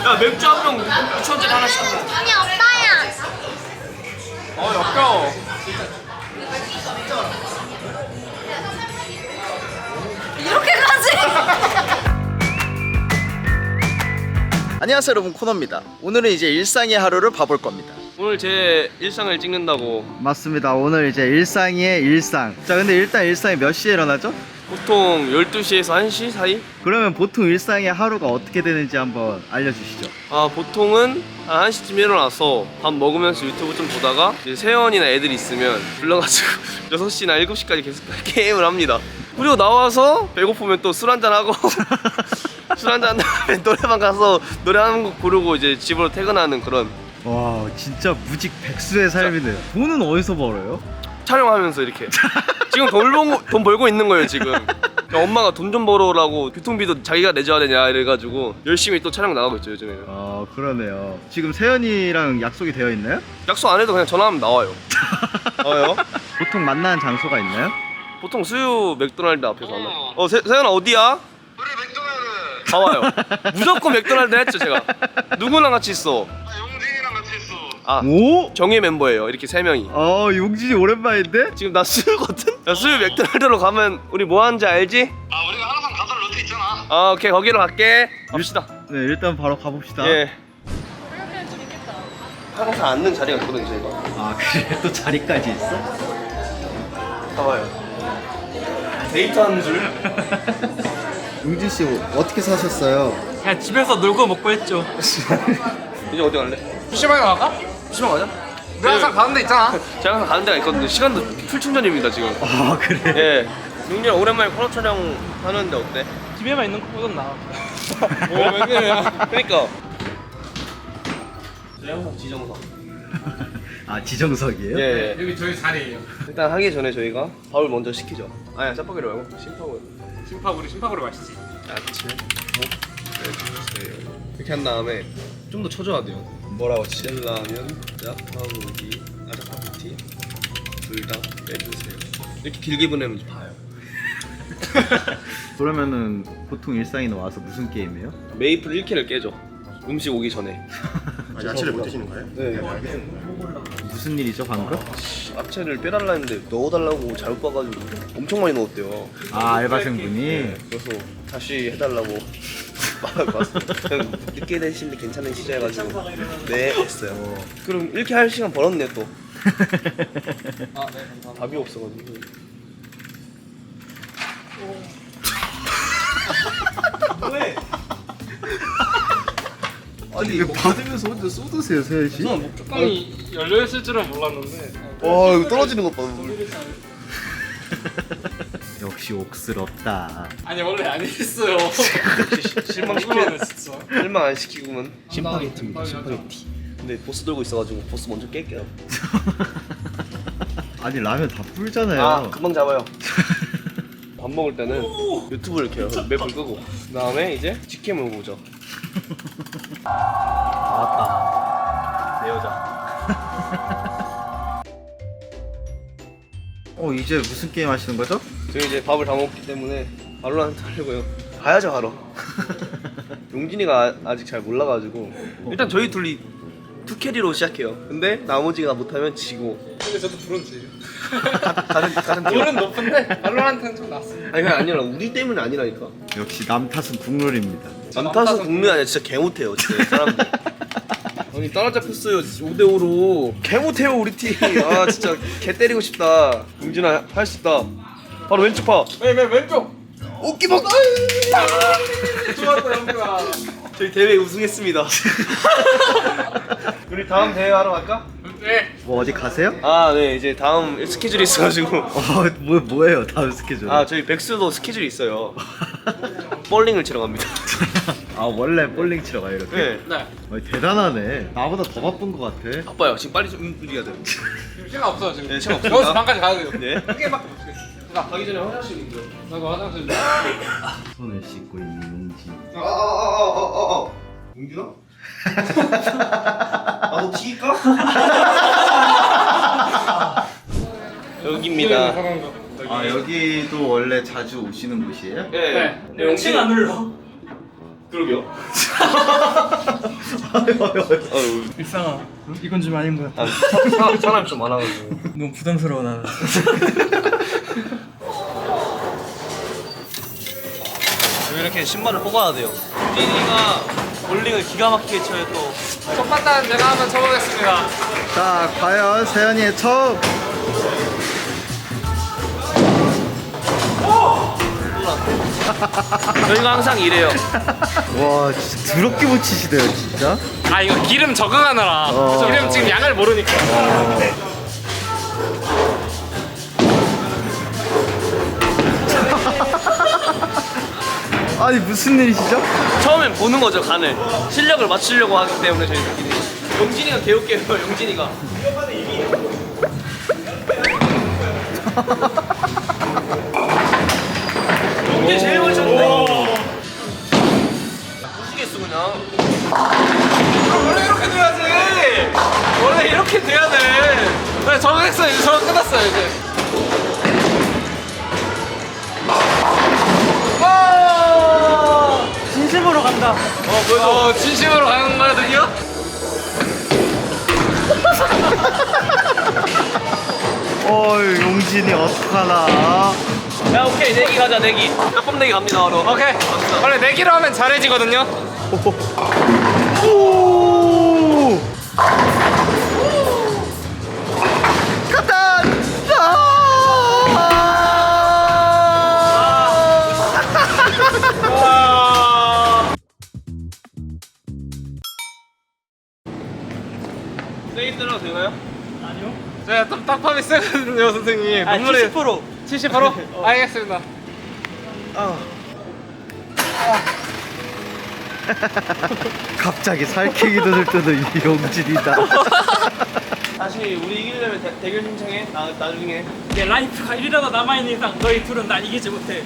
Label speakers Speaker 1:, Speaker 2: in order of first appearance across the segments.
Speaker 1: 야 맥주 한 병 6천짜리 하나씩 하자.
Speaker 2: 아니 오빠야.
Speaker 1: 역겨워.
Speaker 2: 이렇게까지?
Speaker 3: 안녕하세요 여러분, 코너입니다. 오늘은 이제 일상의 하루를 봐볼 겁니다.
Speaker 1: 오늘 제 일상을 찍는다고.
Speaker 3: 맞습니다. 오늘 이제 일상의 일상. 자, 근데 일단 일상이 몇 시에 일어나죠?
Speaker 1: 보통 12시에서 1시 사이?
Speaker 3: 그러면 보통 일상의 하루가 어떻게 되는지 한번 알려주시죠.
Speaker 1: 아 보통은 한 1시쯤 일어나서 밥 먹으면서 유튜브 좀 보다가 이제 세연이나 애들 있으면 불러가지고 6시나 7시까지 계속 게임을 합니다. 그리고 나와서 배고프면 또 술 한잔하고 술 한잔 다음에 노래방 가서 노래 한 곡 부르고 이제 집으로 퇴근하는 그런.
Speaker 3: 와, 진짜 무직 백수의 삶이네요. 돈은 어디서 벌어요?
Speaker 1: 촬영하면서 이렇게 지금 돈 벌고 있는 거예요 지금. 엄마가 돈 좀 벌어라고 교통비도 자기가 내줘야 되냐 이래가지고 열심히 또 촬영 나가고 있죠 요즘에는.
Speaker 3: 아, 그러네요. 지금 세연이랑 약속이 되어 있나요?
Speaker 1: 약속 안 해도 그냥 전화하면 나와요. 나와요?
Speaker 3: 보통 만나는 장소가 있나요?
Speaker 1: 보통 수유 맥도날드 앞에서 만나. 세연아 어디야?
Speaker 4: 우리 맥도날드.
Speaker 1: 다 와요. 무조건 맥도날드 했죠 제가. 누구랑 같이 있어?
Speaker 4: 용진이랑 같이 있어.
Speaker 1: 아
Speaker 3: 오?
Speaker 1: 정예 멤버예요. 이렇게 3명이.
Speaker 3: 용진이 오랜만인데?
Speaker 1: 지금 나 수유거든? 야, 수유 맥도날드로 가면 우리 뭐 하는지 알지?
Speaker 4: 아 우리가 항상 가던 루트 있잖아.
Speaker 1: 아 오케이 거기로 갈게. 갑시다.
Speaker 3: 네, 일단 바로 가봅시다.
Speaker 1: 예. 항상 앉는 자리가 있거든 저희가.
Speaker 3: 아, 그래? 또 자리까지 있어?
Speaker 1: 봐봐요. 데이트하는 줄?
Speaker 3: 용진 씨 어떻게 사셨어요?
Speaker 5: 그냥 집에서 놀고 먹고 했죠.
Speaker 1: 이제 어디 갈래?
Speaker 4: PC방에 나갈까?
Speaker 1: PC방 가자.
Speaker 4: 우리 항상 가는 데 있잖아.
Speaker 1: 제가 항상 가는 데가 있거든요. 시간도 풀 충전입니다 지금.
Speaker 3: 아, 그래?
Speaker 1: 예. 용진아 오랜만에 코너 촬영 하는데 어때?
Speaker 5: 집에만 있는 것보단 나아.
Speaker 1: 왜 그래요? 그러니까. 저희 지정석.
Speaker 3: 아, 지정석이에요?
Speaker 1: 예.
Speaker 4: 여기 저희 자리예요.
Speaker 1: 일단 하기 전에 저희가 밥을 먼저 시키죠. 아니야 짜파게로 말고 심파고.
Speaker 4: 심파구리 맛있지.
Speaker 1: 야채, 빼주세요. 이렇게 한 다음에 좀 더 쳐줘야 돼요. 뭐라고? 신라면, 짜파구리, 짜파구티 둘 다 빼주세요. 이렇게 길게 보내면 봐요.
Speaker 3: 그러면은 보통 일상인 와서 무슨 게임해요?
Speaker 1: 메이플 1캔을 깨죠. 음식 오기 전에.
Speaker 4: 야채를 못 드시는 거예요?
Speaker 1: 네.
Speaker 3: 무슨 일이죠, 방금?
Speaker 1: 야채를 빼달라 했는데 넣어달라고 잘못 봐가지고 엄청 많이 넣었대요.
Speaker 3: 아, 알바생분이?
Speaker 1: 네. 그래서 다시 해달라고 그냥 늦게 되시는데 괜찮으시죠 해가지고 네 했어요. 그럼 이렇게 할 시간 벌었네 또. 답이 없어가지고. 왜?
Speaker 3: 아니, 이거 받으면서 혼자 쏟으세요, 세연 씨?
Speaker 1: 저는 뭐
Speaker 5: 뚜껑이 열려있을 줄은 몰랐는데.
Speaker 1: 와 이거 떨어지는 것 봐.
Speaker 3: 역시 옥스럽다.
Speaker 5: 아니 원래 안 했어요.
Speaker 1: 실망시켜.
Speaker 5: 진짜.
Speaker 1: 실망 안 시키고만. 심파게티입니다. 심파게티. 근데 보스 들고 있어가지고 보스 먼저 깰게요.
Speaker 3: 아니, 라면 다 불잖아요.
Speaker 1: 아 금방 잡아요. 밥 먹을 때는 유튜브를 켜요. 맵을 끄고 그 다음에 이제 직캠을 보죠. 나왔다 내 여자.
Speaker 3: 이제 무슨 게임 하시는 거죠?
Speaker 1: 저희 이제 밥을 다 먹기 때문에 발로란트 하려고요. 가야죠 하러. 용진이가 아직 잘 몰라가지고 일단 저희 둘이 투캐리로 시작해요. 근데 나머지가 못하면 지고.
Speaker 5: 근데 저도 브론즈예요.
Speaker 1: 같은 팀.
Speaker 5: 볼은 높은데 발로란트는 좀 낮습니다.
Speaker 1: 아니 그게 아니라 우리 때문에 아니라니까.
Speaker 3: 역시 남 탓은 국룰입니다.
Speaker 1: 남탓은 국내 아니야. 진짜 개 못해요 진짜 사람들. 아니 따라잡혔어요 5대5로. 개 못해요 우리 팀. 아 진짜 개 때리고 싶다. 용진아 할 수 있다. 바로 왼쪽 파.
Speaker 5: 왼쪽.
Speaker 1: 오끼 먹.
Speaker 5: 좋았다 영구야.
Speaker 1: 저희 대회 우승했습니다. 우리 다음 대회 하러 갈까?
Speaker 5: 네.
Speaker 3: 뭐 어디 가세요?
Speaker 1: 아 네 이제 다음 스케줄이 있어가지고.
Speaker 3: 뭐예요, 다음 스케줄?
Speaker 1: 아 저희 백수도 스케줄이 있어요. 볼링을 치러 갑니다.
Speaker 3: 아, 원래 볼링 치러 가요, 이렇게?
Speaker 1: 네.
Speaker 5: 네.
Speaker 3: 대단하네. 나보다 더 바쁜 것 같아.
Speaker 1: 바빠요. 지금 빨리 좀 움직여야 돼요.
Speaker 5: 지금 시간 없어요 지금.
Speaker 1: 네, 시간 없습니다.
Speaker 5: 여기서 방까지 가야 돼요.
Speaker 1: 네.
Speaker 5: 한 개밖에 못 치겠어.
Speaker 1: 가기 전에 화장실 있죠.
Speaker 5: 나도 화장실.
Speaker 3: 손을 씻고 있는 용진.
Speaker 1: 용진아? 나도 튀길까? 여기입니다.
Speaker 3: 아, 여기도 원래 자주 오시는 곳이에요?
Speaker 1: 네.
Speaker 5: 네. 안 눌러.
Speaker 1: 그러게요.
Speaker 3: 일상아, 이건 좀 아닌 것 같아.
Speaker 1: 사람이 좀 많아가지고.
Speaker 3: 너무 부담스러워 나는.
Speaker 1: 이렇게 신발을 뽑아야 돼요. 유진이가 볼링을 기가 막히게 쳐요 또.
Speaker 5: 첫 판단 제가 한번 쳐보겠습니다.
Speaker 3: 자, 과연 세연이의 첫.
Speaker 1: 저희가 항상 이래요.
Speaker 3: 와, 진짜 더럽게 못 치시대요, 진짜.
Speaker 5: 아 이거 기름 적응하느라. 기름 지금 양을 모르니까.
Speaker 3: 아니, 무슨 일이시죠?
Speaker 1: 처음엔 보는 거죠 간을. 실력을 맞추려고 하기 때문에 저희들끼리. 영진이가 개웃겨요. 영진이가. 영진이 제일 많이 쳤네. 부시겠어 그냥.
Speaker 5: 원래 이렇게 돼야지. 원래 이렇게 돼야 돼. 네, 적응했어요. 이제 적응 끝났어요 이제.
Speaker 3: 진심으로 간다.
Speaker 5: 진심으로 가는 거거든요.
Speaker 3: 어이, 용진이 어떡하나.
Speaker 1: 야 오케이 내기 가자 내기. 몇번 내기 갑니다 바로.
Speaker 5: 오케이. 원래 내기로 하면 잘해지거든요.
Speaker 3: 오! 갔다!
Speaker 1: 내기 들어도 되나요?
Speaker 5: 제가 좀 딱밤이 세거든요 선생님. 눈물이
Speaker 3: 70%.
Speaker 5: 70%? 알겠습니다.
Speaker 3: 갑자기 살쾡이도 들뜨는 이 용진이다.
Speaker 1: 다시 우리 이기려면 대결 신청해. 나중에.
Speaker 2: 내 라이프가 1이라도 남아있는 이상 너희 둘은 날 이기지 못해.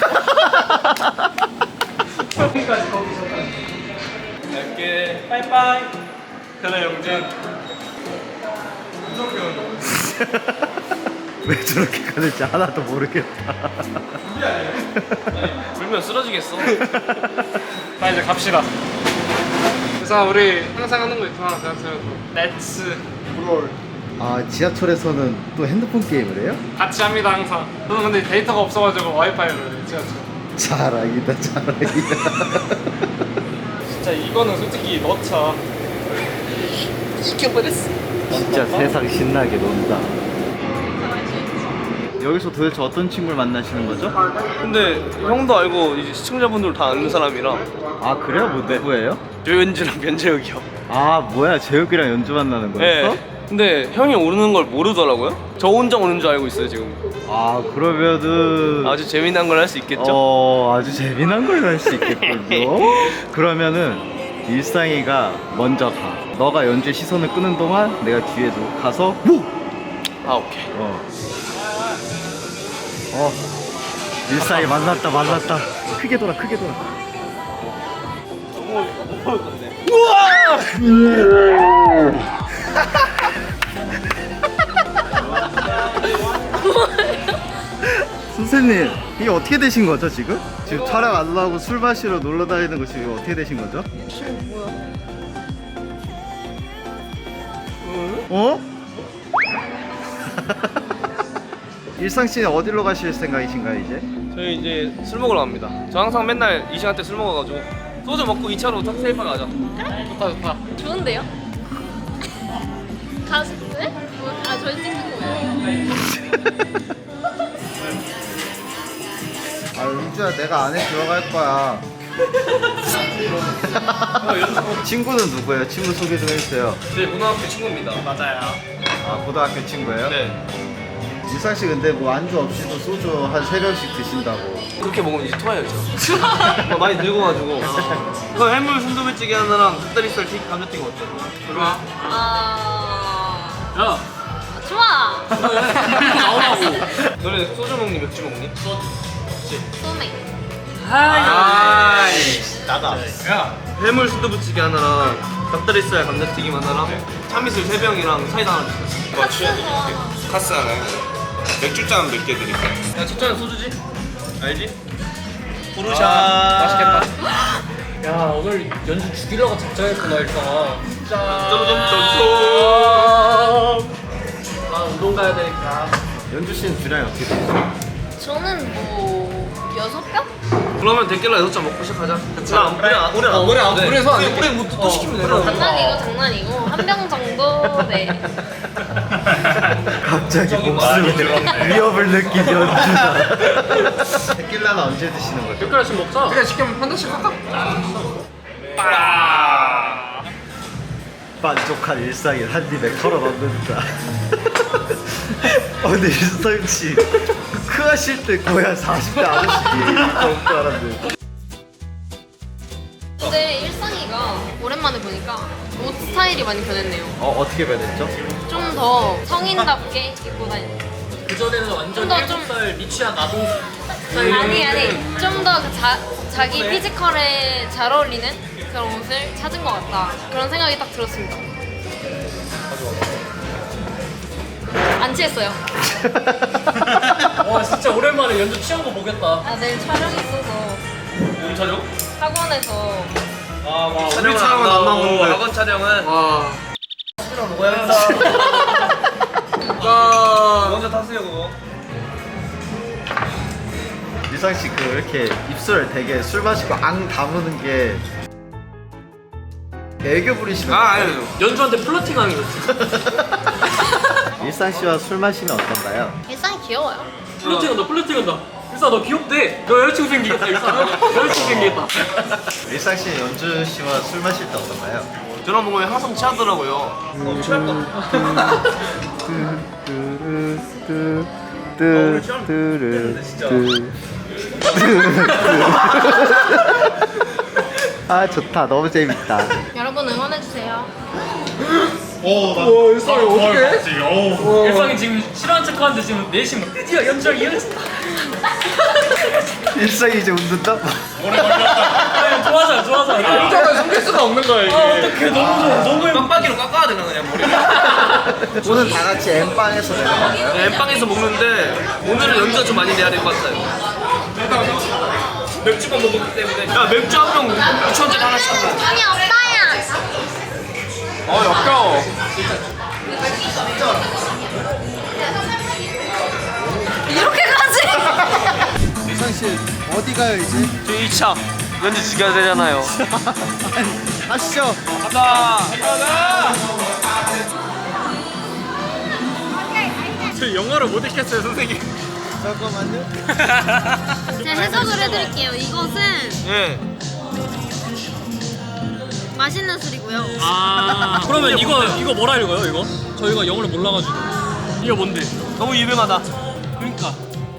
Speaker 1: 여기까지 거기서. 갈게.
Speaker 2: 빠이빠이.
Speaker 5: 그래 영진.
Speaker 3: 왜 저렇게 가는지 하나도 모르겠다.
Speaker 1: 불면 쓰러지겠어.
Speaker 5: 자 이제 갑시다. 그래서 우리 항상 하는 거 있잖아. 대학생에서 렛츠 브롤
Speaker 3: 아, 지하철에서는 또 핸드폰 게임을 해요?
Speaker 5: 같이 합니다 항상. 저는 근데 데이터가 없어가지고 와이파이로 해요 지하철.
Speaker 3: 자랑이다, 자랑이다.
Speaker 5: 진짜 이거는 솔직히 넣자.
Speaker 3: 진짜 세상 신나게 논다. 여기서 도대체 어떤 친구를 만나시는 거죠?
Speaker 1: 근데 형도 알고 이제 시청자분들 다 아는 사람이라
Speaker 3: 아, 그래요? 뭐 누구예요?
Speaker 1: 조현주랑 변재혁이요.
Speaker 3: 아, 뭐야, 제육이랑 연주 만나는 거였어?
Speaker 1: 네. 근데 형이 오르는 걸 모르더라고요. 저 혼자 오는 줄 알고 있어요 지금.
Speaker 3: 아, 그러면은
Speaker 1: 아주 재미난 걸 할 수 있겠죠?
Speaker 3: 아주 재미난 걸 할 수 있겠군요. 그러면은 일상이가 먼저 가. 너가 연주의 시선을 끄는 동안 내가 뒤에 가서 뭐?
Speaker 1: 아 오케이.
Speaker 3: 일상이 만났다. 크게 돌아.
Speaker 1: 뭘 건데?
Speaker 3: 선생님, 이게 어떻게 되신 거죠 지금? 지금 촬영 안 나오고 술 마시러 놀러 다니는 거 지금 어떻게 되신 거죠? 어? 일상 씨는 어디로 가실 생각이신가요 이제?
Speaker 1: 저희 이제 술 먹으러 갑니다. 저 항상 맨날 이 시간대 술 먹어가지고 소주 먹고 2차로 칵테일바 가자.
Speaker 5: 좋다.
Speaker 6: 좋은데요? 가수 네? 아 저희 찍는 거예요.
Speaker 3: 아, 은주야, 내가 안에 들어갈 거야. 친구는 누구예요? 친구 소개 좀 해주세요.
Speaker 1: 제 고등학교 친구입니다.
Speaker 5: 맞아요.
Speaker 3: 아, 고등학교 친구예요?
Speaker 1: 네.
Speaker 3: 일상 씨 근데 뭐 안주 없이도 소주 한 3병씩 드신다고.
Speaker 1: 그렇게 먹으면 이제 토해요 저. 많이 늙어가지고. 그 해물 순두부찌개 하나랑 닭다리살 튀김 감자튀김 어때?
Speaker 5: 좋아.
Speaker 6: 아 좋아.
Speaker 1: 나오라고. 너네 소주 먹니 맥주 먹니?
Speaker 6: 소맥.
Speaker 1: 나다. 야 해물 순두부찌개 하나랑 닭다리살 감자튀김 하나랑 참이슬 3병이랑 사이다 하나 주세요.
Speaker 6: 카스가
Speaker 4: 카스 하나요? 맥주잔 몇 개 드릴까요?
Speaker 1: 야 첫잔은 소주지? 알지?
Speaker 5: 맛있겠다.
Speaker 2: 야 오늘 연주 죽이려고 작정했구나 일단. 아 운동 가야 되니까.
Speaker 3: 연주 씨는 주량이 어떻게 돼요?
Speaker 6: 저는 뭐 6병?
Speaker 1: 그러면 데킬라 6잔 먹고 시작하자.
Speaker 5: 우리 안 그래서 안 돼.
Speaker 1: 우리 또 시키면 되나?
Speaker 6: 장난이고 한 병 정도. 네.
Speaker 3: 갑자기 목숨에 위협을 느낀 연주다. 데킬라는 언제 드시는 거죠?
Speaker 2: 몇 개씩 먹자.
Speaker 5: 그래 시키면 판다씩 할까?
Speaker 3: 만족한 일상을 한 입에 털어넣는다. 근데 일상 씨 크하실 때 거의 한 40대 아저씨 너무 줄 알았는데.
Speaker 6: 근데 일상이가 오랜만에 보니까 옷 스타일이 많이 변했네요.
Speaker 3: 어떻게 변했죠?
Speaker 6: 좀 더 성인답게 입고 다니는.
Speaker 2: 그 전에는 완전
Speaker 6: 좀더 좀-
Speaker 2: 7살 미취학 아동 스타일.
Speaker 6: 아니 좀 더 자기 피지컬에 잘 어울리는 그런 옷을 찾은 것 같다. 그런 생각이 딱 들었습니다. 안 취했어요.
Speaker 2: 와 진짜 오랜만에 연주 취한 거 보겠다.
Speaker 6: 아 내일 촬영 있어서
Speaker 1: 우리 촬영?
Speaker 6: 학원에서
Speaker 1: 촬영은
Speaker 5: 촬영은 안 나오는데.
Speaker 1: 학원 촬영은
Speaker 5: 와.
Speaker 1: 먼저 타세요 그거.
Speaker 3: 일상 씨 그 이렇게 입술 되게 술 마시고 앙 다무는 게 애교 부리시는
Speaker 1: 아니요.
Speaker 2: 연주한테 플러팅하는 거지.
Speaker 3: 일상 씨와 술 마시면 어떤가요?
Speaker 6: 일상이 귀여워요.
Speaker 2: 플러팅한다. 일사 너 귀엽대. 너 여자친구 생기겠다. 일사 여자친구 생기겠다.
Speaker 3: 일상 씨 연주 씨와 술 마실 때 어떤가요?
Speaker 1: 저랑 먹으면 항상 취하더라고요.
Speaker 3: 아 좋다, 너무 재밌다.
Speaker 6: 여러분 응원해주세요.
Speaker 5: 일상이 어떻게?
Speaker 2: 일상이 지금 싫어하는 척하는데 지금 내심 드디어 연주랑 이어졌어.
Speaker 3: 일상이 이제 웃는다?
Speaker 2: 아니, 좋아하잖아.
Speaker 5: 혼자는 숨길 수가 없는 거야 이게.
Speaker 2: 어떡해 너무
Speaker 1: 빡빡이로 깎아야 되나 그냥 머리를.
Speaker 3: 오늘 다 같이 엠빵에서 내가 먹어요?
Speaker 1: 엠빵에서 먹는데 오늘은 연주가 좀 많이 내야 될 것 같아요. 맥주만 먹었기 때문에. 야 맥주 한 병 2,000원짜리 하나씩 하자.
Speaker 6: 아니 오빠야.
Speaker 5: 역겨워.
Speaker 6: 이렇게까지?
Speaker 3: 일상 씨 어디 가요 이제?
Speaker 1: 저 2차 연주 죽여야 되잖아요.
Speaker 3: 하시죠.
Speaker 1: 가자.
Speaker 5: 저 영어를 못 읽겠어요 선생님.
Speaker 3: 잠깐만요.
Speaker 6: 제가 해석을 해드릴게요. 이것은
Speaker 1: 예.
Speaker 6: 맛있는 술이고요.
Speaker 2: 아 그러면 이거 뭐라 읽어요 이거? 저희가 영어를 몰라가지고 이거 뭔데?
Speaker 1: 너무 유명하다.
Speaker 2: 그러니까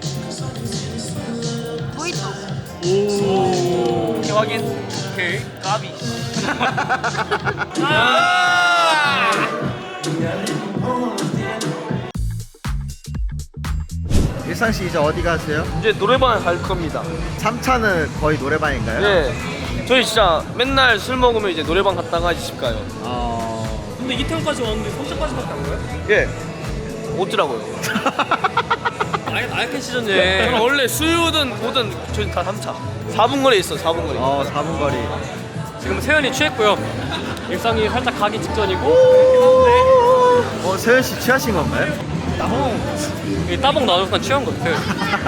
Speaker 6: 모히또.
Speaker 1: 오케이 확인. 오케이. 까비.
Speaker 3: 일상 씨 이제 어디 가세요?
Speaker 1: 이제 노래방에 갈 겁니다.
Speaker 3: 3차는 거의 노래방인가요?
Speaker 1: 네. 저희 진짜 맨날 술 먹으면 이제 노래방 갔다가 이제 집 가요.
Speaker 2: 근데 이태원까지 왔는데 손자까지밖에 안 가요?
Speaker 1: 예. 어쩌라고요?
Speaker 2: 나약한 시즌에
Speaker 1: 저는 원래 수유든 뭐든 저희 다 3차. 4분 거리에 있어. 4분 거리.
Speaker 3: 4분 거리.
Speaker 2: 지금 세연이 취했고요. 일상이 살짝 가기 직전이고
Speaker 3: 세현 씨 취하신 건가요?
Speaker 2: 이 따봉 나눠서 취한 것 같아요.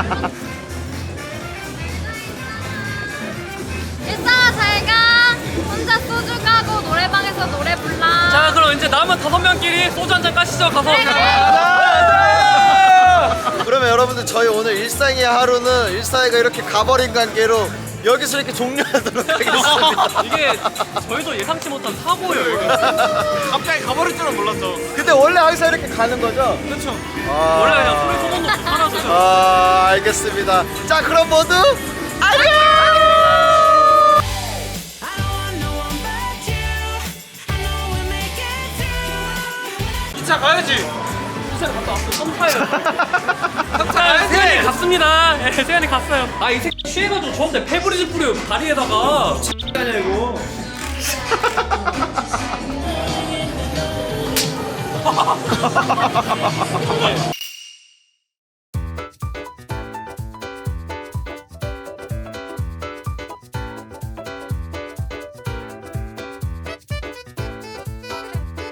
Speaker 6: 일상아 잘가. 혼자 소주 가고 노래방에서 노래 불러.
Speaker 2: 자 그럼 이제 남은 5명끼리 소주 한잔 까시죠 가서.
Speaker 3: 그러면 여러분들 저희 오늘 일상의 하루는 일상이가 이렇게 가버린 관계로 여기서 이렇게 종료하도록 하겠습니다.
Speaker 2: 이게 저희도 예상치 못한 사고예요 이거.
Speaker 5: 갑자기 가버릴 줄은 몰랐죠.
Speaker 3: 근데 원래 항상 이렇게 가는 거죠?
Speaker 5: 그렇죠.
Speaker 2: 원래 그냥 소리 소문 없이 사라져요.
Speaker 3: 알겠습니다. 자 그럼 모두 안녕!
Speaker 5: 기차 가야지.
Speaker 2: 세연이 갔다 왔어. 썸타요. 세연이 갔습니다. 예, 세연이 갔어요. 아 이 새끼 취해가지고 저한테 페브리즈 뿌려 다리에다가.